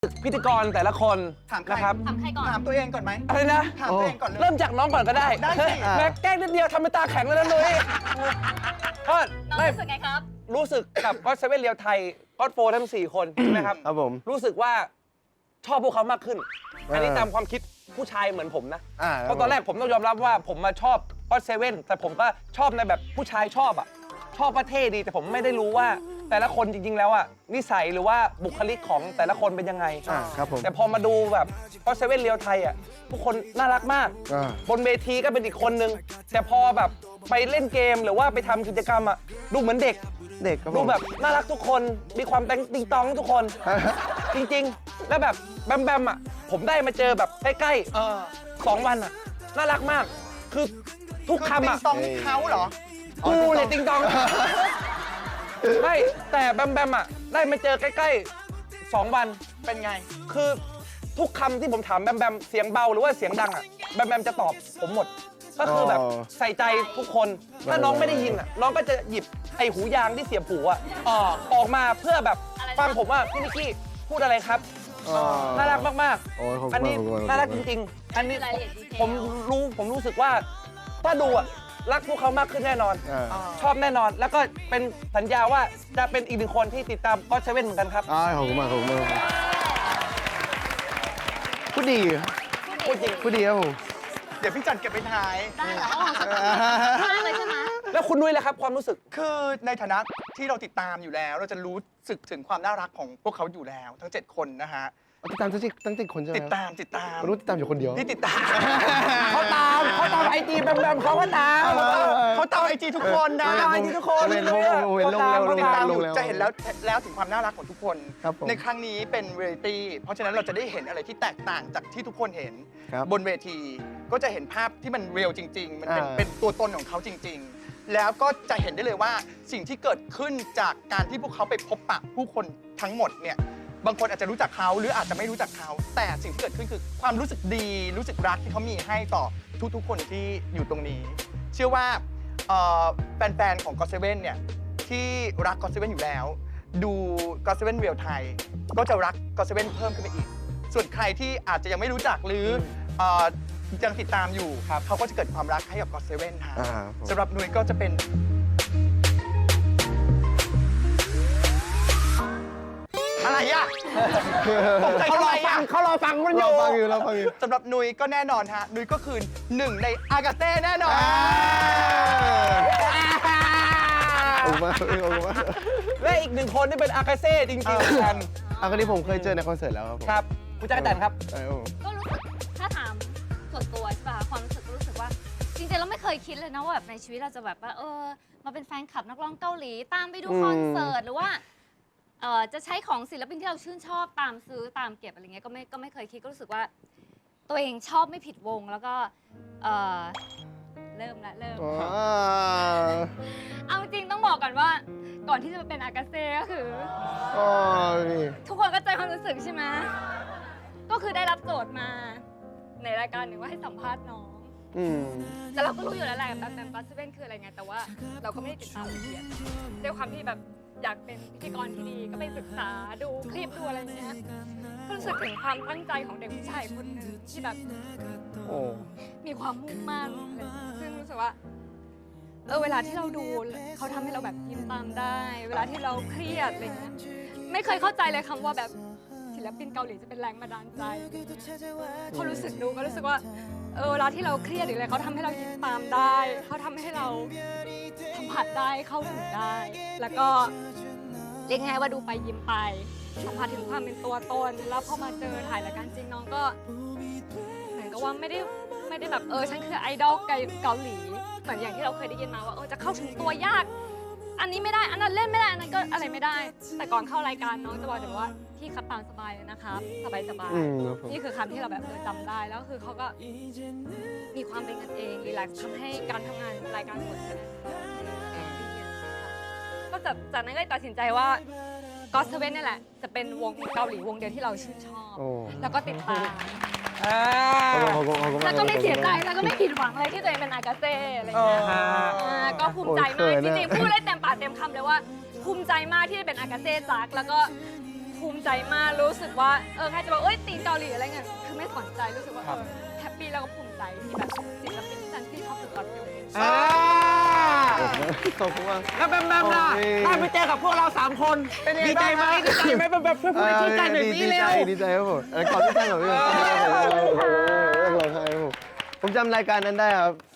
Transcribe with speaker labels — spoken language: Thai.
Speaker 1: พิธีกรแต่ละคน
Speaker 2: ถามใคร
Speaker 1: นะครับ
Speaker 3: ถามใครก่อน
Speaker 2: ถามตัวเองก่อนไหม
Speaker 1: อะไรนะ
Speaker 2: ถามตัวเองก่อนเลย
Speaker 1: เริ่มจากน้องก่อนก็ได้
Speaker 2: ได้สิ
Speaker 1: แม่แกล้งนิดเดียวทำเป็นตาแข็งแล้วนะนุ้ยก็
Speaker 3: น้อง
Speaker 1: ไม่
Speaker 3: รู้สึกไงครับ
Speaker 1: รู้สึกกับก็เซเว่นเรียวไทยก็โฟทั้ง4 คนใช่ไหมครับ
Speaker 4: ครับผม
Speaker 1: รู้สึกว่าชอบพวกเขามากขึ้น อันนี้ตามความคิดผู้ชายเหมือนผมนะ เพราะตอนแรกผมต้องยอมรับว่าผมมาชอบก็เซเว่นแต่ผมก็ชอบในแบบผู้ชายชอบอ่ะชอบประเทศดีแต่ผมไม่ได้รู้ว่าแต่ละคนจริงๆแล้วอ่ะนิสัยหรือว่าบุคลิกของแต่ละคนเป็นยังไง
Speaker 4: ครับผม
Speaker 1: แต่พอมาดูแบบก็เซเว่นเรียวไทยอ่ะทุกคนน่ารักมาก บนเวทีก็เป็นอีกคนนึงแต่พอแบบไปเล่นเกมหรือว่าไปทำกิจกรรมอ่ะดูเหมือนเด็ก
Speaker 4: เด็กครับผม
Speaker 1: ดูแบบน่ารักทุกคนมีความติงตองทุกคน จริงๆ แล้วแบบแบมอ่ะผมได้มาเจอแบบใกล้ๆ2 วันอ่ะน่ารักมากคือทุก
Speaker 2: คือ
Speaker 1: คำ
Speaker 2: ติ
Speaker 1: อ่ะ
Speaker 2: งตองนี่เขาเหรอ
Speaker 1: กูเลยติงตองไม่แต่แบมอ่ะได้มาเจอใกล้ๆ2 วัน
Speaker 2: เป็นไง
Speaker 1: คือทุกคำที่ผมถามแบมเสียงเบาหรือว่าเสียงดังอ่ะแบมจะตอบผมหมด ก็คือแบบใส่ใจทุกคนถ้าน้องไม่ได้ยินอ่ะน้องก็จะหยิบไอ้หูยางที่เสียบหูอ่ะออกมาเพื่อแบบฟังผมว่าพี่นิกกี้พูดอะไรครับน่ารักมาก
Speaker 4: โอ้ยขอบคุณ
Speaker 1: ๆอันนี้
Speaker 4: ขอบคุณ
Speaker 1: น่ารักจริงๆ อันนี้
Speaker 3: รายละเอียดดีเทล
Speaker 1: ผมรู้สึกว่าถ้าดูอ่ะรักพวกเขามากขึ้นแน่นอน ชอบแน่นอนแล้วก็เป็นสัญญาว่าจะเป็นอีก1 คนที่ติดตามก็เซเว่นเหมือนกันครับ
Speaker 4: ขอบคุณมากขอบคุณมากพูดดี
Speaker 1: พูดจริง
Speaker 4: พูดดีครับผม
Speaker 2: เดี๋ยวพี่จันเก็บไปท้าย
Speaker 3: ได้เหรอมากเลยใช่ไหม
Speaker 1: แล้วคุณนุ้ยล่ะครับความรู้สึก
Speaker 2: คือในฐานะที่เราติดตามอยู่แล้ว เราจะรู้สึกถึงความน่ารักของพวกเขาอยู่แล้ว ทั้ง 7 คนนะฮะ
Speaker 4: ติดตามตั้งแต่คนใช่ไหม
Speaker 2: ติดตาม
Speaker 4: ไม่รู้ติดตามอยู่คนเดียว
Speaker 2: ที่ติดตาม
Speaker 1: เขาตามไอจีแบมเขาก็ตาม
Speaker 2: เขาตามไอจีทุกคนนะ
Speaker 1: ตามไอจีทุกคน
Speaker 4: เห็นลงแล้ว
Speaker 2: ติดตามอยู่
Speaker 4: ลงแล้ว
Speaker 2: จะเห็นแล้วถึงความน่ารักของทุกคน
Speaker 4: ครับผม
Speaker 2: ในครั้งนี้เป็นเรียลิตี้เพราะฉะนั้นเราจะได้เห็นอะไรที่แตกต่างจากที่ทุกคนเห็น
Speaker 4: ครับ
Speaker 2: บนเวทีก็จะเห็นภาพที่มันเรียลจริง ๆ มันเป็น
Speaker 4: อ่า
Speaker 2: เป็นตัวตนของเขาจริง ๆ แล้วก็จะเห็นได้เลยว่าสิ่งที่เกิดขึ้นจากการที่พวกเขาไปพบปะผู้คนทั้งหมดเนี่ยบางคนอาจจะรู้จักเขาหรืออาจจะไม่รู้จักเขา แต่สิ่งที่เกิดขึ้นคือความรู้สึกดีรู้สึกรักที่เขามีให้ต่อทุกๆคนที่อยู่ตรงนี้ เชื่อว่าแฟนๆของ GOT7 เนี่ยที่รัก GOT7 อยู่แล้ว ดู GOT7 เรียลไทยก็จะรัก GOT7 เพิ่มขึ้นไปอีก ส่วนใครที่อาจจะยังไม่รู้จักหรือยังติดตามอยู่เขาก็จะเกิดความรักให้กับ GOT7 ค่ะ
Speaker 4: ครับผม
Speaker 2: สำหรับนุ้ยก็จะเป็นอะไรอ่ะตกใจทำไมอ่ะ
Speaker 1: เขารอฟังมันอ
Speaker 4: เรา
Speaker 1: ยู่
Speaker 4: ฟังอยู่เราฟังอยู่
Speaker 2: สำหรับนุ้ยก็แน่นอนฮะนุ้ยก็คือ1 ในอากาเซ่แน่นอน
Speaker 4: ขอบคุณมากขอบคุณมาก
Speaker 1: และอีก1 คนที่เป็นอากาเซ่จริงๆเหมือนกัน
Speaker 4: คนนี้ผมเคยเจอในคอนเสิร์ตแล้วครับผม
Speaker 1: ครับคุณจักรจันทร์ครับ
Speaker 4: ครับผม
Speaker 3: ก็รู้สึกถ้าถามส่วนตัวใช่ป่ะความรู้สึกก็รู้สึกว่า จริงๆเราไม่เคยคิดเลยนะว่าแบบในชีวิตเราจะแบบว่ามาเป็นแฟนคลับนักร้องเกาหลีตามไปดูคอนเสิร์ตหรือว่าจะใช้ของศิลปินที่เราชื่นชอบตามซื้อตามเก็บอะไรเงี้ยก็ไม่เคยคิดก็รู้สึกว่า ตัวเองชอบไม่ผิดวงแล้วก็เริ่ม เอาจริงต้องบอกก่อนว่าก่อนที่จะมาเป็นอากาเซ่ก็คือ ทุกคนก็ใจความรู้สึกใช่ไหมก็คือได้รับโจทย์มาในรายการหนึ่งว่าให้สัมภาษณ์น้อง แต่เราก็รู้อยู่แล้วแหละแบบGOT7คืออะไรไงแต่ว่าเราก็ไม่ได้ติดตามละเอียดด้วยความที่แบบอยากเป็นพิธีกรที่ดีก็ไปศึกษาดูคลิปดูอะไรอย่างเงี้ยก็รู้สึกถึงความตั้งใจของเด็กผู้ชายคนหนึ่งที่แบบมีความมุ่งมั่นอะไรซึ่งรู้สึกว่าเวลาที่เราดูเขาทำให้เราแบบยิ้มตามได้ เวลาที่เราเครียดอะไรเงี้ยไม่เคยเข้าใจเลยคำว่าแบบศิลปินเกาหลีจะเป็นแรงบันดาลใจพอรู้สึกดูก็รู้สึกว่าเวลาที่เราเครียดหรืออะไรเขาทำให้เรายิ้มตามได้เขาทำให้เราสัมผัสได้เข้าถึงได้ แล้วก็เรียกง่ายว่าดูไปยิ้มไปสัมผัสถึงความเป็นตัวตนแล้วพอมาเจอถ่ายรายการจริงน้องก็เหมือนกับว่าไม่ได้แบบฉันคือไอดอลเกาหลีเหมือนอย่างที่เราเคยได้ยินมาว่าจะเข้าถึงตัวยากอันนี้ไม่ได้อันนั้นเล่นไม่ได้อันนั้นก็อะไรไม่ได้แต่ก่อนเข้ารายการน้องจะบอกแต่ว่าพี่ครับตามสบายเลยนะครับสบายนี่คือคำที่เราแบบจำได้แล้วคือเขาก็มีความเป็นกันเองรีแลกซ์ทำให้การทำงานรายการสดก็จากนั้นก็ตัดสินใจว่าGOT7นี่แหละจะเป็นวงเกาหลีวงเดียวที่เราชื่นชอบแล้วก็ติดตามแล้วก็ไม่เสียใจแล้วก็ไม่ผิดหวังเลยที่ตัวเองเป็นอากาเซ่อะไรเงี้ยก็ภูมิใจมากจริงๆพูดได้เต็มปากเต็มคำเลยว่าภูมิใจมากที่ได้เป็นอากาเซ่จักแล้วก็ภูมิใจมากรู้สึกว่าใครจะบอกตีนเกาหลีอะไรเงี้ยคือไม่สนใจรู้สึกว่าแฮปปี้แล้วก็ภูมิใจที่แบบศิลปินจันที่เขาฝึกฝนอยู่
Speaker 4: ขอบคุณมาก
Speaker 1: แล้วแบมแบมล่ะ
Speaker 4: โอเค
Speaker 1: ได้ไปเจอกับพวกเรา 3 คน
Speaker 2: เป็นยังไง
Speaker 1: ดีใจไหม
Speaker 2: บ้าง
Speaker 1: ดีใจไหมแบบช่วยพูดชื่นใจหน่อยสิเร็ว
Speaker 4: ดีใจครับผมก่อนที่จะหน่อยพี่ผมจำรายการนั้นได้ครับ